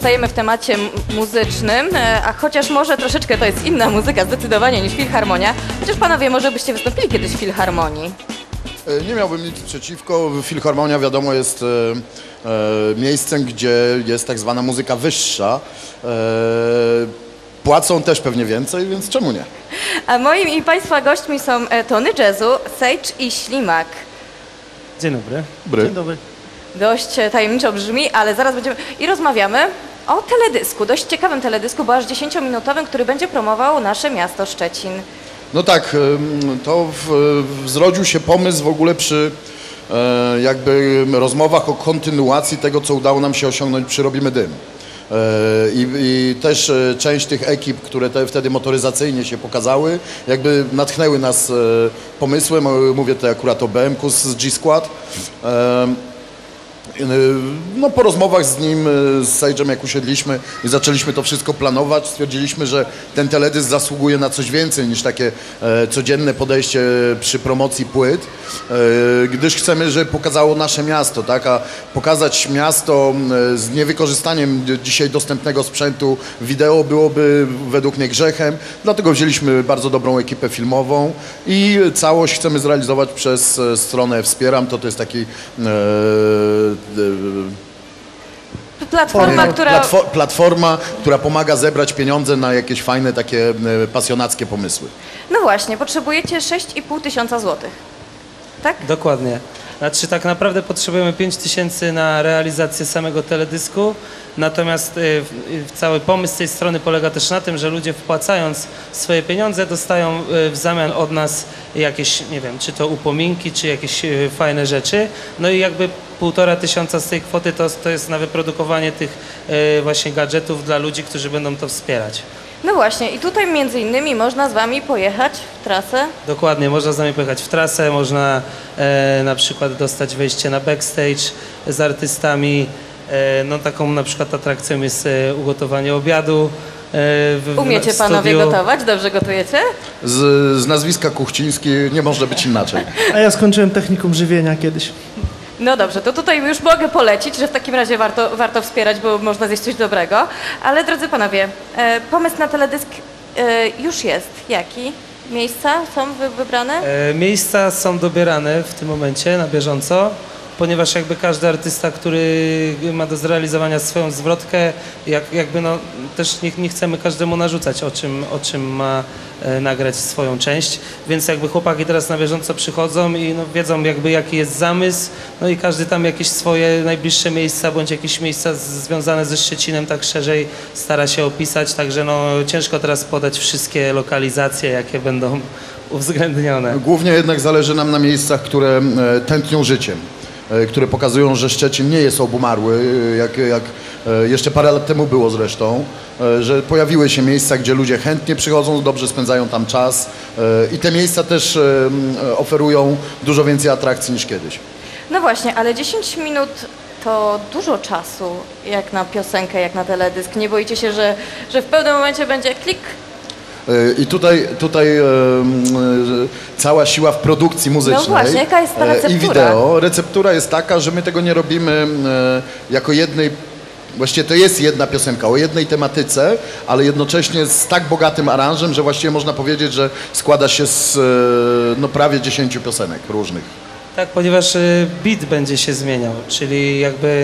pozostajemy w temacie muzycznym, a chociaż może troszeczkę to jest inna muzyka zdecydowanie niż filharmonia, chociaż panowie może byście wystąpili kiedyś w filharmonii. Nie miałbym nic przeciwko. Filharmonia, wiadomo, jest miejscem, gdzie jest tak zwana muzyka wyższa. Płacą też pewnie więcej, więc czemu nie? A moimi i państwa gośćmi są Tony Jazzu, Sage i Ślimak. Dzień dobry. Dobry. Dzień dobry. Dość tajemniczo brzmi, ale zaraz będziemy... I rozmawiamy o teledysku, dość ciekawym teledysku, bo aż 10-minutowym, który będzie promował nasze miasto Szczecin. No tak, to zrodził się pomysł w ogóle przy jakby rozmowach o kontynuacji tego, co udało nam się osiągnąć przy Robimy Dym. I też część tych ekip, które wtedy motoryzacyjnie się pokazały, jakby natchnęły nas pomysłem, mówię tutaj akurat o BMK z G-Squad. No, po rozmowach z nim, z Sage'em, jak usiedliśmy i zaczęliśmy to wszystko planować, stwierdziliśmy, że ten teledysk zasługuje na coś więcej niż takie codzienne podejście przy promocji płyt, gdyż chcemy, żeby pokazało nasze miasto, tak? A pokazać miasto z niewykorzystaniem dzisiaj dostępnego sprzętu wideo byłoby według mnie grzechem, dlatego wzięliśmy bardzo dobrą ekipę filmową i całość chcemy zrealizować przez stronę Wspieram, to jest taki platforma, która pomaga zebrać pieniądze na jakieś fajne, takie pasjonackie pomysły. No właśnie, potrzebujecie 6,5 tysiąca złotych, tak? Dokładnie. Znaczy tak naprawdę potrzebujemy 5 tysięcy na realizację samego teledysku, natomiast cały pomysł tej strony polega też na tym, że ludzie wpłacając swoje pieniądze dostają w zamian od nas jakieś, nie wiem, czy to upominki, czy jakieś fajne rzeczy, no i jakby 1500 z tej kwoty to jest na wyprodukowanie tych właśnie gadżetów dla ludzi, którzy będą to wspierać. No właśnie i tutaj między innymi można z wami pojechać w trasę. Dokładnie, można z nami pojechać w trasę, można na przykład dostać wejście na backstage z artystami. No taką na przykład atrakcją jest ugotowanie obiadu. Umiecie panowie gotować? Dobrze gotujecie? Z nazwiska Kuchciński nie może być inaczej. A ja skończyłem technikum żywienia kiedyś. No dobrze, to tutaj już mogę polecić, że w takim razie warto wspierać, bo można zjeść coś dobrego. Ale drodzy panowie, pomysł na teledysk już jest. Jaki? Miejsca są wybrane? Miejsca są dobierane w tym momencie na bieżąco, ponieważ jakby każdy artysta, który ma do zrealizowania swoją zwrotkę, jakby no też nie chcemy każdemu narzucać, o czym ma nagrać swoją część, więc jakby chłopaki teraz na bieżąco przychodzą i no wiedzą jakby jaki jest zamysł, no i każdy tam jakieś swoje najbliższe miejsca, bądź jakieś miejsca związane ze Szczecinem tak szerzej stara się opisać, także no ciężko teraz podać wszystkie lokalizacje, jakie będą uwzględnione. Głównie jednak zależy nam na miejscach, które tętnią życiem, które pokazują, że Szczecin nie jest obumarły, jak jeszcze parę lat temu było zresztą, że pojawiły się miejsca, gdzie ludzie chętnie przychodzą, dobrze spędzają tam czas i te miejsca też oferują dużo więcej atrakcji niż kiedyś. No właśnie, ale 10 minut to dużo czasu jak na piosenkę, jak na teledysk. Nie boicie się, że w pewnym momencie będzie klik? I tutaj cała siła w produkcji muzycznej. No właśnie, jaka jest ta receptura? I wideo. Receptura jest taka, że my tego nie robimy jako jednej, właściwie to jest jedna piosenka o jednej tematyce, ale jednocześnie z tak bogatym aranżem, że właściwie można powiedzieć, że składa się z no, prawie 10 piosenek różnych. Tak, ponieważ beat będzie się zmieniał, czyli jakby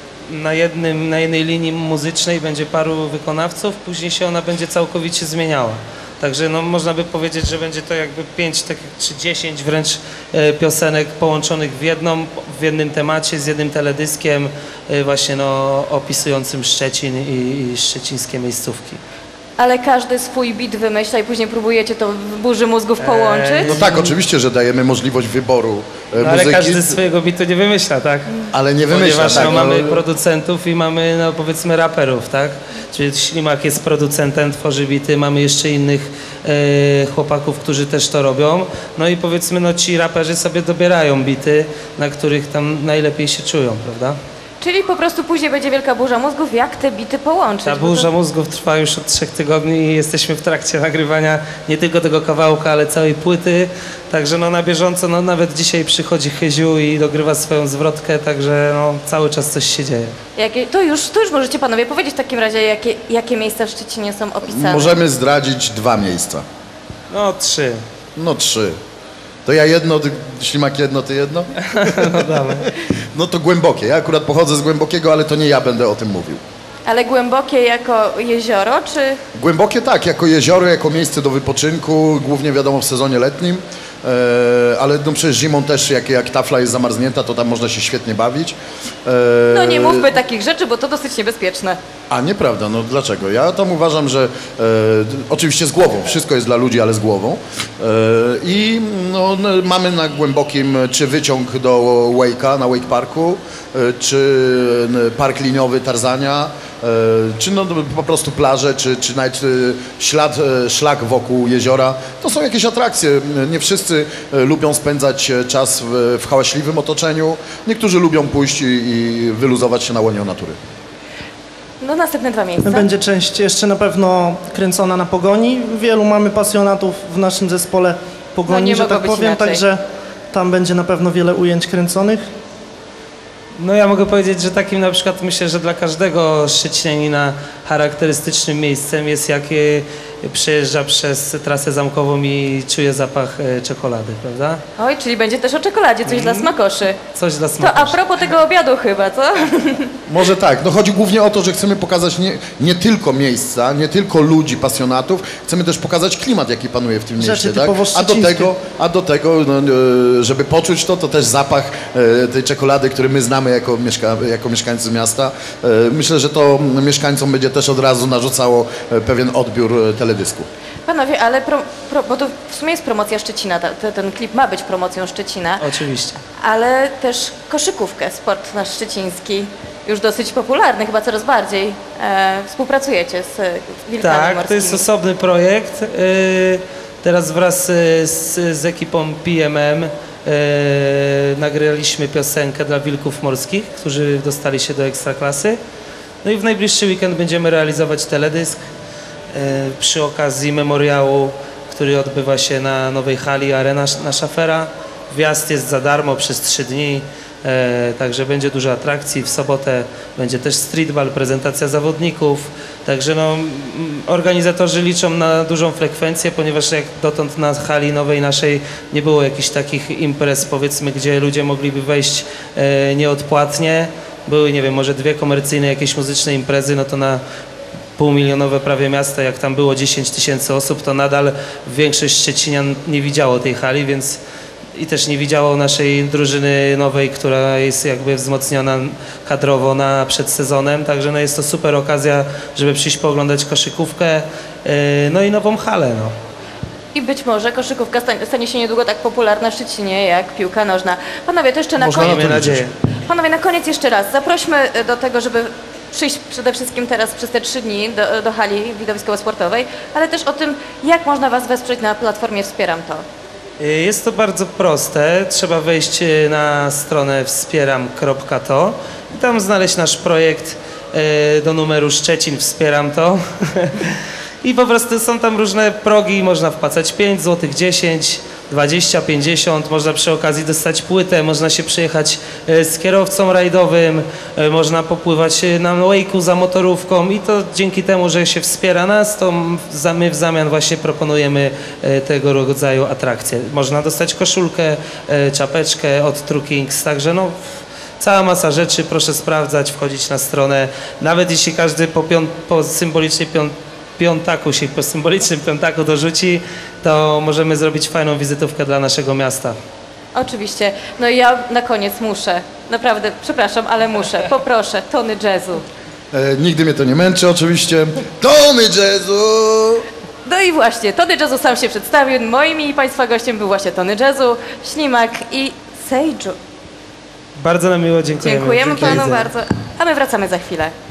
na jednej linii muzycznej będzie paru wykonawców, później się ona będzie całkowicie zmieniała. Także no, można by powiedzieć, że będzie to jakby 5 czy 10 wręcz piosenek połączonych w jednym temacie, z jednym teledyskiem właśnie no, opisującym Szczecin i szczecińskie miejscówki. Ale każdy swój beat wymyśla i później próbujecie to w burzy mózgów połączyć? No tak, oczywiście, że dajemy możliwość wyboru muzyki. Ale każdy swojego bitu nie wymyśla, tak? Ale nie wymyśla, ponieważ tak. No, mamy producentów i mamy, no powiedzmy, raperów, tak? Czyli Ślimak jest producentem, tworzy bity, mamy jeszcze innych chłopaków, którzy też to robią. No i powiedzmy, no ci raperzy sobie dobierają bity, na których tam najlepiej się czują, prawda? Czyli po prostu później będzie wielka burza mózgów, jak te bity połączyć? Ta bo to- burza mózgów trwa już od 3 tygodni i jesteśmy w trakcie nagrywania nie tylko tego kawałka, ale całej płyty. Także no na bieżąco, no nawet dzisiaj przychodzi Chyziu i dogrywa swoją zwrotkę, także no cały czas coś się dzieje. To już możecie panowie powiedzieć w takim razie, jakie miejsca w Szczecinie są opisane. Możemy zdradzić 2 miejsca. No 3. No 3. To ja jedno, Ślimak jedno, ty jedno? No dawaj. No to Głębokie. Ja akurat pochodzę z Głębokiego, ale to nie ja będę o tym mówił. Ale głębokie jako jezioro, czy... Głębokie tak, jako jezioro, jako miejsce do wypoczynku, głównie wiadomo w sezonie letnim, ale no przecież zimą też, jak tafla jest zamarznięta, to tam można się świetnie bawić. No nie mówmy takich rzeczy, bo to dosyć niebezpieczne. A nieprawda, no dlaczego? Ja tam uważam, że oczywiście z głową, wszystko jest dla ludzi, ale z głową. I no, mamy na Głębokim czy wyciąg do Wake'a, na Wake Parku, czy park liniowy Tarzania, czy no, po prostu plaże, czy nawet szlak wokół jeziora. To są jakieś atrakcje. Nie wszyscy lubią spędzać czas w hałaśliwym otoczeniu. Niektórzy lubią pójść i wyluzować się na łonie natury. No następne 2 miejsca. Będzie część jeszcze na pewno kręcona na Pogoni. Wielu mamy pasjonatów w naszym zespole Pogoni, No nie że mogło tak być powiem, inaczej. także tam będzie na pewno wiele ujęć kręconych. No ja mogę powiedzieć, że takim na przykład myślę, że dla każdego Szczecinianina charakterystycznym miejscem jest jak przejeżdża przez trasę zamkową i czuje zapach czekolady, prawda? Oj, czyli będzie też o czekoladzie, coś dla smakoszy. Coś dla To smaku. a propos tego obiadu chyba, co? Może tak. No chodzi głównie o to, że chcemy pokazać nie tylko miejsca, nie tylko ludzi, pasjonatów, chcemy też pokazać klimat, jaki panuje w tym mieście. Rzeczy Tak? typowo szczecińskie. A do tego no, żeby poczuć to też zapach tej czekolady, który my znamy jako mieszkańcy miasta. Myślę, że to mieszkańcom będzie też od razu narzucało pewien odbiór teledysku. Panowie, ale bo to w sumie jest promocja Szczecina, ten klip ma być promocją Szczecina, Oczywiście. ale też koszykówkę, sport nasz szczeciński, już dosyć popularny, chyba coraz bardziej. Współpracujecie z Wilkami Tak, Morskimi. to jest osobny projekt. Teraz wraz z ekipą PMM nagraliśmy piosenkę dla Wilków Morskich, którzy dostali się do Ekstraklasy. No i w najbliższy weekend będziemy realizować teledysk przy okazji memoriału, który odbywa się na nowej hali Arena na Szafera. Wjazd jest za darmo przez 3 dni, także będzie dużo atrakcji. W sobotę będzie też streetball, prezentacja zawodników. Także no, organizatorzy liczą na dużą frekwencję, ponieważ jak dotąd na hali nowej naszej nie było jakichś takich imprez, powiedzmy, gdzie ludzie mogliby wejść nieodpłatnie. Były, nie wiem, może 2 komercyjne jakieś muzyczne imprezy, no to na półmilionowe prawie miasta, jak tam było 10 000 osób, to nadal większość Szczecinian nie widziało tej hali, więc i też nie widziało naszej drużyny nowej, która jest jakby wzmocniona kadrowo przed sezonem, także no jest to super okazja, żeby przyjść pooglądać koszykówkę, no i nową halę. No. I być może koszykówka stanie się niedługo tak popularna w Szczecinie jak piłka nożna. Panowie, to jeszcze na Można koniec. Mamy nadzieję. Panowie, na koniec jeszcze raz. Zaprośmy do tego, żeby przyjść przede wszystkim teraz przez te 3 dni do hali widowiskowo-sportowej, ale też o tym, jak można Was wesprzeć na platformie Wspieram To. Jest to bardzo proste. Trzeba wejść na stronę wspieram.to i tam znaleźć nasz projekt do numeru Szczecin Wspieram To. I po prostu są tam różne progi, można wpłacać 5 zł, 10, 20, 50, można przy okazji dostać płytę, można się przyjechać z kierowcą rajdowym, można popływać na wake'u za motorówką i to dzięki temu, że się wspiera nas, to my w zamian właśnie proponujemy tego rodzaju atrakcje. Można dostać koszulkę, czapeczkę od True Kings, także no cała masa rzeczy, proszę sprawdzać, wchodzić na stronę, nawet jeśli każdy po symbolicznej po symbolicznym piątaku dorzuci, to możemy zrobić fajną wizytówkę dla naszego miasta. Oczywiście. No i ja na koniec muszę, naprawdę, przepraszam, ale muszę, poproszę, tony jazzu. Nigdy mnie to nie męczy oczywiście. Tony jazzu! No i właśnie, Tony Jazzu sam się przedstawił, moim i Państwa gościem był właśnie Tony Jazzu, Ślimak i Sejdżu. Bardzo nam miło, dziękujemy. Dziękujemy Dziękuję. Panu bardzo, a my wracamy za chwilę.